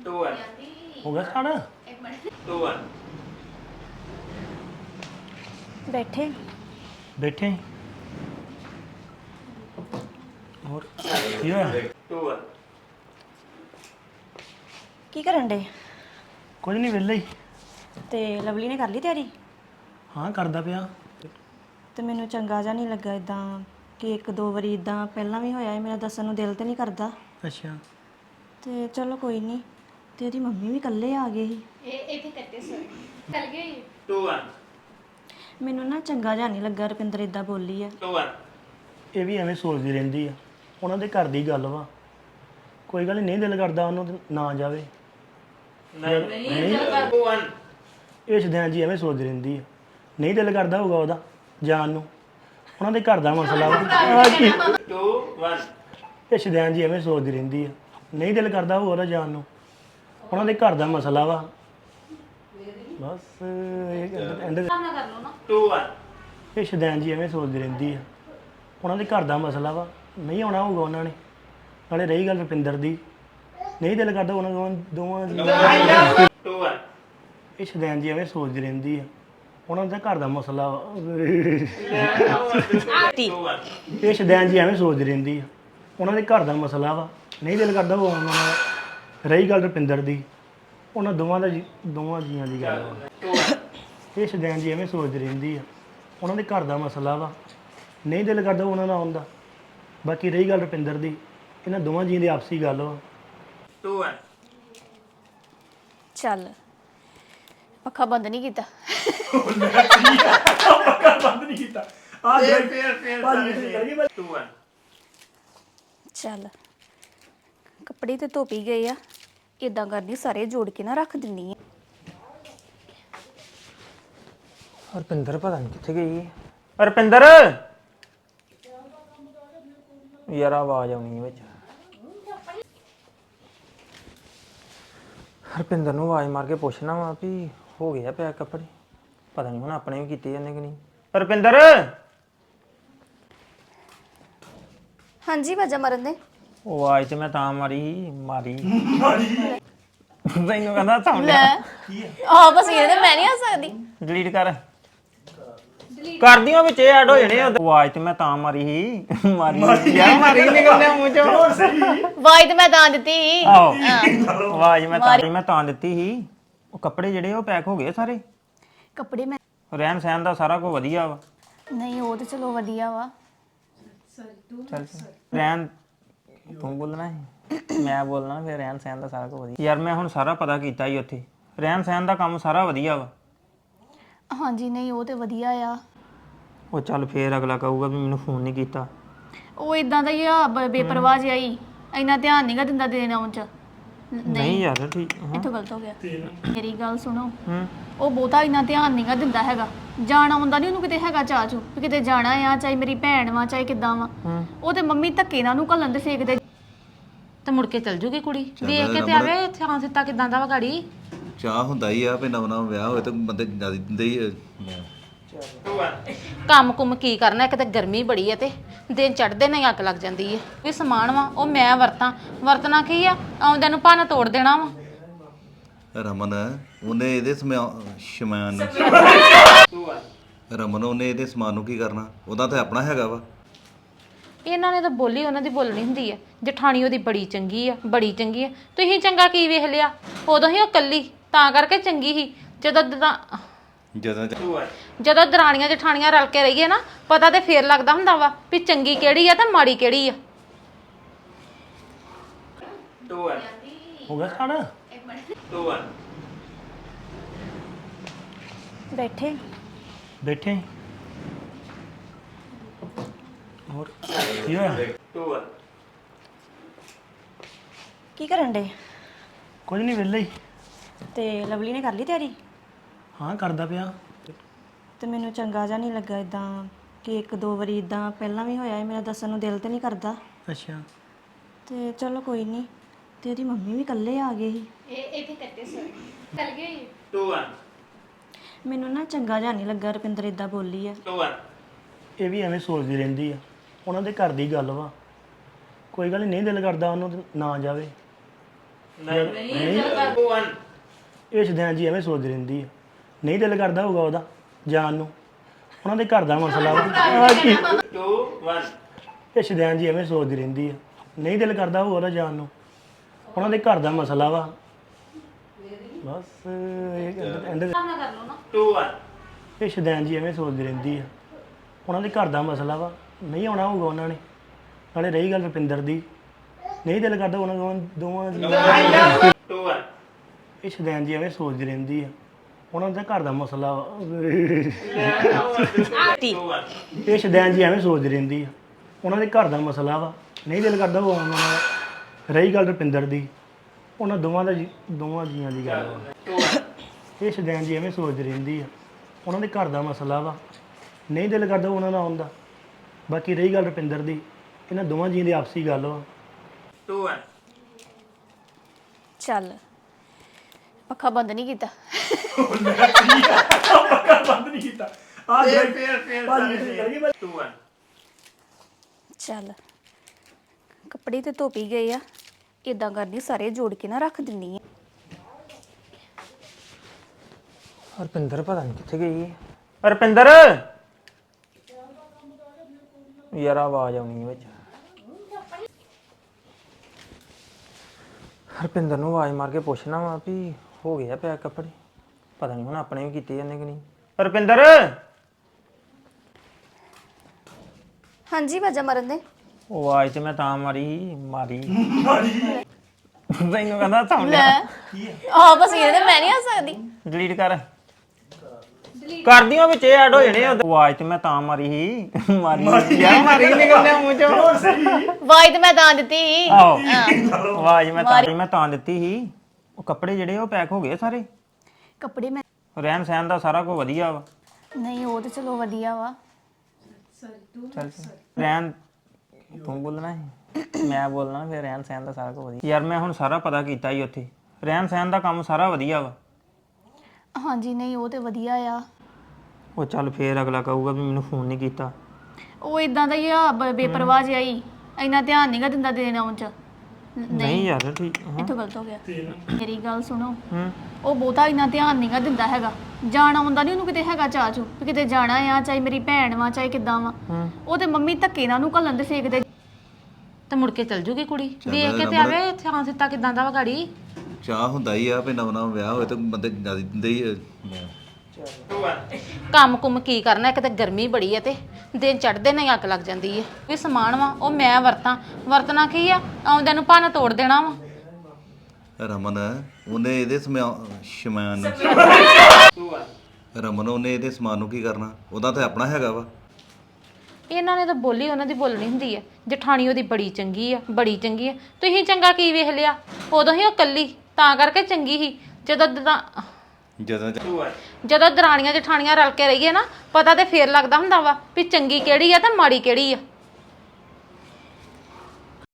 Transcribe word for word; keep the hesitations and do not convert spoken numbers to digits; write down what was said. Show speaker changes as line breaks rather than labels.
To one
हो गया सारा
टू वन
बैठे
बैठे और ਕੀ ਹੋਇਆ
टू वन
ਕੀ ਕਰਨ ਡੇ
ਕੁਝ ਨਹੀਂ ਵਿਹਲੇ ਹੀ
ਤੇ ਲਵਲੀ ਨੇ ਕਰ ਲਈ ਤਿਆਰੀ
ਹਾਂ ਕਰਦਾ ਪਿਆ
ਤੇ ਮੈਨੂੰ ਚੰਗਾ ਜਿਹਾ ਨਹੀਂ ਲੱਗਾ ਇਦਾਂ ਕਿ ਇੱਕ ਦੋ ਵਾਰੀ ਇਦਾਂ ਪਹਿਲਾਂ ਵੀ ਹੋਇਆ ਹੈ ਮੇਰਾ ਦੱਸਣ ਨੂੰ ਦਿਲ ਤੇ ਨਹੀਂ ਕਰਦਾ
ਅੱਛਾ
ਤੇ ਚਲੋ ਕੋਈ ਨਹੀਂ ਤੇ ਉਹਦੀ ਮੰਮੀ ਵੀ ਇਕੱਲੇ ਆ ਗਏ ਸੀ
टू वन
ਮੈਨੂੰ ਨਾ ਚੰਗਾ ਜਿਹਾ ਨਹੀਂ ਲੱਗਾ ਰੁਪਿੰਦਰ ਇਦਾਂ ਬੋਲੀ ਆ
टू वन
ਇਹ ਵੀ ਐਵੇਂ ਸੋਚਦੀ ਰਹਿੰਦੀ ਆ ਉਹਨਾਂ ਦੇ ਘਰ ਦੀ ਗੱਲ ਵਾ ਕੋਈ ਗੱਲ ਨਹੀਂ ਦਿਲ ਕਰਦਾ ਉਹਨੂੰ ਤੇ ਨਾ ਜਾਵੇ
नहीं टू वन
ਇਹ ਸ਼ਦਿਆਂ ਜੀ ਐਵੇਂ ਸੋਚਦੀ ਰਹਿੰਦੀ ਆ ਨਹੀਂ ਦਿਲ ਕਰਦਾ ਹੋਊਗਾ ਉਹਦਾ ਜਾਣ ਨੂੰ ਉਹਨਾਂ ਦੇ ਘਰ ਦਾ ਮਸਲਾ ਵਾ
टू वन
ਇਹ ਸ਼ਦਿਆਂ ਜੀ ਐਵੇਂ ਸੋਚਦੀ ਰਹਿੰਦੀ ਆ ਨਹੀਂ ਦਿਲ ਕਰਦਾ ਹੋਊਗਾ ਉਹਦਾ ਜਾਣ ਨੂੰ ਉਹਨਾਂ ਦੇ ਘਰ ਦਾ ਮਸਲਾ ਵਾ ਬਸ ਇਹ ਐਂਡ
टू वन
ਇਹ ਸ਼ਦਿਆਂ ਜੀ ਐਵੇਂ ਸੋਚਦੀ ਰਹਿੰਦੀ ਆ ਉਹਨਾਂ ਦੇ ਘਰ ਦਾ ਮਸਲਾ ਵਾ ਨਹੀਂ ਆਉਣਾ ਹੋਊਗਾ ਉਹਨਾਂ ਨੇ ਨਾਲੇ ਰਹੀ ਗੱਲ ਰੁਪਿੰਦਰ ਦੀ ਨਹੀਂ ਦਿਲ ਕਰਦਾ ਉਹਨਾਂ ਦੋਵਾਂ ਦੋਵਾਂ ਦੀ
टू वन
ਇਹ ਸ਼ਦੈਨ ਜੀ ਐਵੇਂ ਸੋਚਦੀ ਰਹਿੰਦੀ ਆ ਉਹਨਾਂ ਦਾ ਘਰ ਦਾ ਮਸਲਾ ਵਾ।
टू वन
ਇਹ ਸ਼ਦੈਨ ਜੀ ਐਵੇਂ ਸੋਚਦੀ ਰਹਿੰਦੀ ਆ ਉਹਨਾਂ ਦੇ ਘਰ ਦਾ ਮਸਲਾ ਵਾ ਨਹੀਂ ਦਿਲ ਕਰਦਾ ਉਹ ਉਹਨਾਂ ਨਾਲ ਰਹੀ ਗੱਲ ਰੁਪਿੰਦਰ ਦੀ ਉਹਨਾਂ ਦੋਵਾਂ ਦਾ ਜੀ- ਦੋਵਾਂ ਜੀਆਂ ਦੀ ਗੱਲ ਵਾ
टू वन
ਇਹ ਸ਼ਦੈਨ ਜੀ ਐਵੇਂ ਸੋਚਦੀ ਰਹਿੰਦੀ ਆ ਉਹਨਾਂ ਦੇ ਘਰ ਦਾ ਮਸਲਾ ਵਾ ਨਹੀਂ ਦਿਲ ਕਰਦਾ ਉਹਨਾਂ ਨਾਲ ਆਉਣ ਦਾ ਬਾਕੀ ਰਹੀ ਗੱਲ ਰੁਪਿੰਦਰ ਦੀ ਇਹਨਾਂ ਦੋਵਾਂ ਜੀਆਂ ਦੀ ਆਪਸੀ ਗੱਲ ਵਾ
टू वन
ਚੱਲ ਪੱਖਾ ਬੰਦ ਨਹੀਂ ਕੀਤਾ
ਬੰਦ ਨਹੀਂ ਕੀਤਾ ਆ
फिर फिर फिर टू वन
ਚੱਲ ਕੱਪੜੇ ਤੇ ਧੋ ਪੀ ਗਏ ਆ ਇਦਾਂ ਕਰਦੀ ਸਾਰੇ ਜੋੜ ਕੇ ਨਾ ਰੱਖ ਦਿੰਨੀ ਆ
ਹਰਪਿੰਦਰ ਪਤਾ ਨਹੀਂ ਕਿੱਥੇ ਗਈ ਹੈ ਹਰਪਿੰਦਰ ਯਾਰ ਆਵਾਜ਼ ਆਉਣੀ ਵਿੱਚ ਹਰਪਿੰਦਰ ਨੂੰ ਆਵਾਜ਼ ਮਾਰ ਕੇ ਪੁੱਛਣਾ ਵਾ ਵੀ ਹੋ ਗਿਆ ਪਿਆ ਕੱਪੜੇ ਪਤਾ ਨਹੀਂ ਹੁਣ ਆਪਣੇ ਵੀ ਕੀਤੇ ਜਾਂਦੇ ਕਿ ਨਹੀਂ ਹਰਪਿੰਦਰ
ਹਾਂਜੀ ਵਾਜਾ ਮਰਨ ਦੇ
ਉਹ ਆਵਾਜ਼ ਤੇ ਮੈਂ ਤਾਂ ਮਾਰੀ ਸੀ, ਮਾਰੀ ਤੈਨੂੰ ਕਹਿੰਦਾ ਸੁਣ
ਲੈ
ਲਿਆ
ਆਹ ਬਸ ਇਹ ਤੇ ਮੈਂ ਨਹੀਂ ਆ ਸਕਦੀ
ਡਿਲੀਟ ਕਰ ਕਰਦੀਆਂ ਵਿੱਚ ਇਹ ਐਡ ਹੋ ਜਾਣੇ ਆ। ਆਵਾਜ਼ ਤੇ ਮੈਂ ਤਾਂ ਮਾਰੀ ਸੀ ਮਾਰੀ ਯਾਰ ਮਾਰੀ ਨਿਕਲਦਾ ਮੂੰਹ ਚੋਂ
ਵਾਈ ਤੇ ਮੈਂ ਤਾਂ ਦਿੱਤੀ ਸੀ।
ਆਹੋ ਆਵਾਜ਼ ਮੈਂ ਤਾਂ ਮੈਂ ਤਾਂ ਦਿੱਤੀ ਸੀ ਉਹ ਕੱਪੜੇ ਜਿਹੜੇ ਉਹ ਪੈਕ ਹੋ ਗਏ ਸਾਰੇ
ਕੱਪੜੇ ਮੈਂ
ਰਹਿਣ ਸਹਿਣ ਦਾ ਸਾਰਾ ਕੁਝ ਵਧੀਆ ਵਾ
ਨਹੀਂ ਉਹ ਤੇ ਚਲੋ ਵਧੀਆ ਵਾ
ਚੱਲ ਰਹਿਣ ਤੂੰ ਬੋਲਣਾ ਹੈ ਮੈਂ ਬੋਲਣਾ ਫਿਰ ਰਹਿਣ ਸਹਿਣ ਦਾ ਸਾਰਾ ਕੁਝ ਵਧੀਆ ਯਾਰ ਮੈਂ ਹੁਣ ਸਾਰਾ ਪਤਾ ਕੀਤਾ ਹੀ ਉੱਥੇ ਰਹਿਣ ਸਹਿਣ ਦਾ ਕੰਮ ਸਾਰਾ ਵਧੀਆ ਵਾ
ਹਾਂਜੀ ਨਹੀਂ ਉਹ ਤੇ ਵਧੀਆ ਆ
ਉਹ ਚੱਲ ਫੇਰ ਅਗਲਾ ਕਹੂਗਾ ਵੀ ਮੈਨੂੰ ਫੋਨ ਨਹੀਂ ਕੀਤਾ
ਉਹ ਇਦਾਂ ਦਾ ਹੀ ਆ ਬ- ਬੇਪਰਵਾਹ ਜਿਹਾ ਹੀ ਇੰਨਾ ਧਿਆਨ ਨਹੀਂਗਾ ਦਿੰਦਾ ਦੇਣ ਆਉਣ ਚ
ਨਹੀਂ ਯਾਰ ਠੀਕ ਹਾਂ
ਇੱਥੋਂ ਗਲਤ ਹੋ ਗਿਆ ਮੇਰੀ ਗੱਲ ਸੁਣੋ
ਹੂੰ
ਉਹ ਬਹੁਤਾ ਇੰਨਾ ਧਿਆਨ ਨਹੀਂਗਾ ਦਿੰਦਾ ਹੈਗਾ ਜਾਣਾ ਆਉਂਦਾ ਨਹੀਂ ਉਹਨੂੰ ਕਿਤੇ ਹੈਗਾ ਚਾਚੂ ਵੀ ਕਿਤੇ ਜਾਣਾ ਆ ਚਾਹੇ ਮੇਰੀ ਭੈਣ ਵਾ ਚਾਹੇ ਕਿੱਦਾਂ ਵਾ ਉਹ ਤੇ ਮੰਮੀ ਧੱਕੇ ਨਾਲ ਉਹਨੂੰ ਘੱਲਣ ਦੇ ਫੇਕਦੇ
ਤੇ ਮੁੜ ਕੇ ਚਲ ਜੂਗੀ ਕੁੜੀ ਵੇਖ ਕੇ ਤੇ ਆਵੇ ਇੱਥੇ ਹਾਂ ਸਿੱਤਾ ਕਿਦਾਂ ਦਾ ਵਾ ਗਾੜੀ
ਚਾਹ ਹੁੰਦਾ ਹੀ ਆ ਵੀ ਨਵਾਂ ਨਵਾਂ ਵਿਆਹ ਹੋਏ ਤਾਂ ਬੰਦੇ ਜਿਆਦਾ ਦਿੰਦੇ ਹੀ ਆ।
टू वन
ਕੰਮ ਕੁਮ ਕੀ ਕਰਨਾ ਇੱਕ ਤੇ ਗਰਮੀ ਬੜੀ ਐ ਤੇ ਦਿਨ ਚੜ੍ਹਦੇ ਨਹੀਂ ਅੱਗ ਲੱਗ ਜਾਂਦੀ ਐ ਵੀ ਸਮਾਨ ਵਾ ਉਹ ਮੈਂ ਵਰਤਾਂ ਵਰਤਣਾ ਕੀ ਆ ਆਉਂਦਿਆਂ ਨੂੰ ਭੰਨ ਤੋੜ ਦੇਣਾ ਵਾ
ਰਮਨ ਉਹਨੇ ਇਹਦੇ ਸਮਾ- ਸਮਾਨ ਨੂੰ
टू वन
ਰਮਨ ਉਹਨੇ ਇਹਦੇ ਸਮਾਨ ਨੂੰ ਕੀ ਕਰਨਾ ਉਹਦਾ ਤਾਂ ਆਪਣਾ ਹੈਗਾ ਵਾ
ਇਹਨਾਂ ਨੇ ਤਾਂ ਬੋਲੀ ਉਹਨਾਂ ਦੀ ਬੋਲਣੀ ਹੁੰਦੀ ਐ ਜਠਾਣੀ ਉਹਦੀ ਬੜੀ ਚੰਗੀ ਆ ਬੜੀ ਚੰਗੀ ਆ ਤੁਸੀਂ ਚੰਗਾ ਕੀ ਵੇਖ ਲਿਆ ਉਦੋਂ ਹੀ ਉਹ ਕੱਲੀ ਤਾਂ ਕਰਕੇ ਚੰਗੀ ਸੀ ਜਦੋਂ ਦ-
ਜਦੋਂ
टू वन
ਜਦੋਂ ਦਰਾਣੀਆਂ ਜਠਾਣੀਆਂ ਰਲ ਕੇ ਰਹੀਏ ਨਾ ਪਤਾ ਤੇ ਫੇਰ ਲੱਗਦਾ ਹੁੰਦਾ ਵਾ ਵੀ ਚੰਗੀ ਕਿਹੜੀ ਆ ਤੇ ਮਾੜੀ ਕਿਹੜੀ ਆ
टू वन
ਹੋ ਗਿਆ ਸਾਰਾ
टू वन
ਬੈਠੇ
ਬੈਠੇ ਹੋਰ ਕੀ ਹੋਇਆ
टू वन
ਕੀ ਕਰਨ ਡੇ
ਕੁਝ ਨਹੀਂ ਵਿਹਲੇ ਹੀ
ਤੇ ਲਵਲੀ ਨੇ ਕਰ ਲਈ ਤਿਆਰੀ
ਹਾਂ ਕਰਦਾ ਪਿਆ
ਤੇ ਮੈਨੂੰ ਚੰਗਾ ਜਿਹਾ ਨਹੀਂ ਲੱਗਾ ਇਦਾਂ ਕਿ ਇੱਕ ਦੋ ਵਾਰੀ ਇਦਾਂ ਪਹਿਲਾਂ ਵੀ ਹੋਇਆ ਹੈ ਮੇਰਾ ਦੱਸਣ ਨੂੰ ਦਿਲ ਤੇ ਨਹੀਂ ਕਰਦਾ
ਅੱਛਾ
ਤੇ ਚਲੋ ਕੋਈ ਨਹੀਂ ਤੇ ਉਹਦੀ ਮੰਮੀ ਵੀ ਇਕੱਲੇ ਆ ਗਏ ਸੀ
टू वन
ਮੈਨੂੰ ਨਾ ਚੰਗਾ ਜਿਹਾ ਨਹੀਂ ਲੱਗਾ ਰੁਪਿੰਦਰ ਇਦਾਂ ਬੋਲੀ ਆ
टू वन
ਇਹ ਵੀ ਐਵੇਂ ਸੋਚਦੀ ਰਹਿੰਦੀ ਆ ਉਹਨਾਂ ਦੇ ਘਰ ਦੀ ਗੱਲ ਵਾ ਕੋਈ ਗੱਲ ਨਹੀਂ ਦਿਲ ਕਰਦਾ ਉਹਨੂੰ ਤੇ ਨਾ ਜਾਵੇ
ਟੂ ਵਨ
ਇਹ ਸ਼ਦੈਨ ਜੀ ਐਵੇਂ ਸੋਚਦੀ ਰਹਿੰਦੀ ਆ ਨਹੀਂ ਦਿਲ ਕਰਦਾ ਹੋਊਗਾ ਉਹਦਾ ਜਾਣ ਨੂੰ ਉਹਨਾਂ ਦੇ ਘਰ ਦਾ ਮਸਲਾ ਵਾ ਆਹ ਕੀ
ਟੂ ਵਨ
ਇਹ ਸ਼ਦੈਨ ਜੀ ਐਵੇਂ ਸੋਚਦੀ ਰਹਿੰਦੀ ਆ ਨਹੀਂ ਦਿਲ ਕਰਦਾ ਹੋਊਗਾ ਉਹਦਾ ਜਾਣ ਨੂੰ ਉਹਨਾਂ ਦੇ ਘਰ ਦਾ ਮਸਲਾ ਵਾ ਬਸ ਇਹ ਐਂਡ
ਟੂ ਵਨ
ਇਹ ਸ਼ਦੈਨ ਜੀ ਐਵੇਂ ਸੋਚਦੀ ਰਹਿੰਦੀ ਆ ਉਹਨਾਂ ਦੇ ਘਰ ਦਾ ਮਸਲਾ ਵਾ ਨਹੀਂ ਆਉਣਾ ਹੋਊਗਾ ਉਹਨਾਂ ਨੇ ਨਾਲੇ ਰਹੀ ਗੱਲ ਰੁਪਿੰਦਰ ਦੀ ਨਹੀਂ ਦਿਲ ਕਰਦਾ ਉਹਨਾਂ ਦੋਵਾਂ ਦੋਵਾਂ ਦੀ
ਟੂ ਵਨ
ਇਹ ਸ਼ਦੈਨ ਜੀ ਐਵੇਂ ਸੋਚਦੀ ਰਹਿੰਦੀ ਆ ਉਹਨਾਂ ਦਾ ਘਰ ਦਾ ਮਸਲਾ ਵਾ
ਟੂ ਵਨ
ਇਹ ਸ਼ਦੈਨ ਜੀ ਐਵੇਂ ਸੋਚਦੀ ਰਹਿੰਦੀ ਆ ਉਹਨਾਂ ਦੇ ਘਰ ਦਾ ਮਸਲਾ ਵਾ ਨਹੀਂ ਦਿਲ ਕਰਦਾ ਉਹ ਆਉਣ ਦਾ ਰਹੀ ਗੱਲ ਰੁਪਿੰਦਰ ਦੀ ਉਹਨਾਂ ਦੋਵਾਂ ਦਾ ਜੀ- ਦੋਵਾਂ ਜੀਆਂ ਦੀ ਗੱਲ ਵਾ
ਟੂ ਵਨ
ਇਹ ਸ਼ਦੈਨ ਜੀ ਐਵੇਂ ਸੋਚਦੀ ਰਹਿੰਦੀ ਆ ਉਹਨਾਂ ਦੇ ਘਰ ਦਾ ਮਸਲਾ ਵਾ ਨਹੀਂ ਦਿਲ ਕਰਦਾ ਉਹਨਾਂ ਦਾ ਆਉਣ ਦਾ ਬਾਕੀ ਰਹੀ ਗੱਲ ਰੁਪਿੰਦਰ ਦੀ ਇਹਨਾਂ ਦੋਵਾਂ ਜੀਆਂ ਦੀ ਆਪਸੀ ਗੱਲ ਵਾ
ਟੂ ਵਨ
ਚੱਲ ਪੱਖਾ ਬੰਦ ਨਹੀਂ ਕੀਤਾ
ਬੰਦ ਨਹੀਂ ਕੀਤਾ ਆ
ਫੇਰ ਫੇਰ ਟੂ ਵਨ
ਚੱਲ ਕੱਪੜੇ ਤੇ ਧੋ ਪੀ ਗਏ ਆ ਇਦਾਂ ਕਰਨੀ ਸਾਰੇ ਜੋੜ ਕੇ ਨਾ ਰੱਖ ਦਿੰਨੀ ਆ
ਹਰਪਿੰਦਰ ਪਤਾ ਨਹੀਂ ਕਿੱਥੇ ਗਈ ਹੈ ਹਰਪਿੰਦਰ ਯਾਰ ਆਵਾਜ਼ ਆਉਣੀ ਹੈ ਵਿੱਚ ਹਰਪਿੰਦਰ ਨੂੰ ਆਵਾਜ਼ ਮਾਰ ਕੇ ਪੁੱਛਣਾ ਵਾ ਵੀ ਹੋ ਗਿਆ ਪੈਕ ਕੱਪੜੇ ਪਤਾ ਨਹੀਂ ਹੁਣ ਆਪਣੇ ਵੀ ਕੀਤੇ ਜਾਂਦੇ ਕਿ ਨਹੀਂ ਹਰਪਿੰਦਰ
ਹਾਂਜੀ ਵਾਜਾ ਮਰਨ ਦੇ
ਉਹ ਆਵਾਜ਼ ਤੇ ਮੈਂ ਤਾਂ ਮਾਰੀ ਸੀ, ਮਾਰੀ ਮਾਰੀ ਤੈਨੂੰ ਕਹਿੰਦਾ ਸਾਹਮਣੇ
ਆ ਬਸ ਇਹਦੇ ਮੈਂ ਨਹੀਂ ਆ ਸਕਦੀ
ਡਿਲੀਟ ਕਰ ਕਰਦੀਆਂ ਵਿੱਚ ਇਹ ਐਡ ਹੋ ਜਾਣੇ ਆ। ਆਵਾਜ਼ ਤੇ ਮੈਂ ਤਾਂ ਮਾਰੀ ਸੀ ਮਾਰੀ ਯਾਰ ਮਾਰੀ ਨਿਕਲਦੇ ਮੂੰਹ ਚੋਂ
ਵਾਈ ਤੇ ਮੈਂ ਤਾਂ ਦਿੱਤੀ ਸੀ।
ਆਹੋ ਆਵਾਜ਼ ਮੈਂ ਤਾਂ ਮੈਂ ਤਾਂ ਦਿੱਤੀ ਸੀ ਉਹ ਕੱਪੜੇ ਜਿਹੜੇ ਉਹ ਪੈਕ ਹੋ ਗਏ ਸਾਰੇ
ਕੱਪੜੇ ਮੈਂ
ਰਹਿਣ ਸਹਿਣ ਦਾ ਸਾਰਾ ਕੁਝ ਵਧੀਆ ਵਾ
ਨਹੀਂ ਉਹ ਤੇ ਚਲੋ ਵਧੀਆ ਵਾ
ਚੱਲ ਰਹਿਣ ਤੂੰ ਬੋਲਣਾ ਹੈ ਮੈਂ ਬੋਲਣਾ ਫਿਰ ਰਹਿਣ ਸਹਿਣ ਦਾ ਸਾਰਾ ਕੁਝ ਵਧੀਆ ਯਾਰ ਮੈਂ ਹੁਣ ਸਾਰਾ ਪਤਾ ਕੀਤਾ ਹੀ ਉੱਥੇ ਰਹਿਣ ਸਹਿਣ ਦਾ ਕੰਮ ਸਾਰਾ ਵਧੀਆ ਵਾ
ਹਾਂਜੀ ਨਹੀਂ ਉਹ ਤੇ ਵਧੀਆ ਆ
ਉਹ ਚੱਲ ਫੇਰ ਅਗਲਾ ਕਹੂਗਾ ਵੀ ਮੈਨੂੰ ਫੋਨ ਨਹੀਂ ਕੀਤਾ
ਉਹ ਇਦਾਂ ਦਾ ਹੀ ਆ ਬ- ਬੇਪਰਵਾਹ ਜਿਹਾ ਹੀ ਇੰਨਾ ਧਿਆਨ ਨਹੀਂਗਾ ਦਿੰਦਾ ਦੇਣ ਆਉਣ ਚ
ਨਹੀਂ ਯਾਰ ਠੀਕ ਹਾਂ
ਇੱਥੋਂ ਗਲਤ ਹੋ ਗਿਆ ਮੇਰੀ ਗੱਲ ਸੁਣੋ
ਹੂੰ
ਉਹ ਬਹੁਤਾ ਇੰਨਾ ਧਿਆਨ ਨਹੀਂਗਾ ਦਿੰਦਾ ਹੈਗਾ ਜਾਣਾ ਆਉਂਦਾ ਨਹੀਂ ਉਹਨੂੰ ਕਿਤੇ ਹੈਗਾ ਚਾਚੂ ਵੀ ਕਿਤੇ ਜਾਣਾ ਆ ਚਾਹੇ ਮੇਰੀ ਭੈਣ ਵਾ ਚਾਹੇ ਕਿੱਦਾਂ ਵਾ
ਹੂੰ
ਉਹ ਤੇ ਮੰਮੀ ਧੱਕੇ ਨਾਲ ਉਹਨੂੰ ਘੱਲਣ ਦੇ ਫੇਕਦੇ
ਤੇ ਮੁੜ ਕੇ ਚਲ ਜੂਗੀ ਕੁੜੀ ਵੇਖ ਕੇ ਤੇ ਆਵੇ ਥਾਂ ਸਿੱਤਾ ਕਿਦਾਂ ਦਾ ਵਾ ਗਾੜੀ
ਚਾਹ ਹੁੰਦਾ ਹੀ ਆ ਵੀ ਨਵਾਂ ਨਵਾਂ ਵਿਆਹ ਹੋਏ ਤੇ ਬੰਦੇ ਜਿਆਦਾ ਦਿੰਦੇ ਹੀ ਆ।
ਟੂ ਵਨ
ਕੰਮ ਕੁਮ ਕੀ ਕਰਨਾ ਇੱਕ ਤਾਂ ਗਰਮੀ ਬੜੀ ਹੈ ਤੇ ਦਿਨ ਚੜ੍ਹਦੇ ਨਹੀਂ ਅੱਗ ਲੱਗ ਜਾਂਦੀ ਹੈ ਵੀ ਸਮਾਨ ਵਾ ਉਹ ਮੈਂ ਵਰਤਾਂ ਵਰਤਣਾ ਕੀ ਆ ਆਉਂਦਿਆਂ ਨੂੰ ਭੰਨ ਤੋੜ ਦੇਣਾ ਵਾ
ਰਮਨ ਉਹਨੇ ਇਹਦੇ ਸਮਾ- ਸਮਾਨ ਨੂੰ
ਟੂ ਵਨ
ਰਮਨ ਉਹਨੇ ਇਹਦੇ ਸਮਾਨ ਨੂੰ ਕੀ ਕਰਨਾ ਉਹਦਾ ਤਾਂ ਆਪਣਾ ਹੈਗਾ ਵਾ
ਇਹਨਾਂ ਨੇ ਤਾਂ ਬੋਲੀ ਉਹਨਾਂ ਦੀ ਬੋਲਣੀ ਹੁੰਦੀ ਹੈ ਜਠਾਣੀ ਉਹਦੀ ਬੜੀ ਚੰਗੀ ਆ ਬੜੀ ਚੰਗੀ ਆ ਤੁਸੀਂ ਚੰਗਾ ਕੀ ਵੇਖ ਲਿਆ ਉਦੋਂ ਹੀ ਉਹ ਕੱਲੀ ਤਾਂ ਕਰਕੇ ਚੰਗੀ ਸੀ ਜਦੋਂ ਦਰਾ-
ਜਦੋਂ
ਟੂ ਵਨ
ਜਦੋਂ ਦਰਾਣੀਆਂ ਜਠਾਣੀਆਂ ਰਲ ਕੇ ਰਹੀਏ ਨਾ ਪਤਾ ਤੇ ਫੇਰ ਲੱਗਦਾ ਹੁੰਦਾ ਵਾ ਵੀ ਚੰਗੀ ਕਿਹੜੀ ਆ ਤੇ ਮਾੜੀ ਕਿਹੜੀ ਆ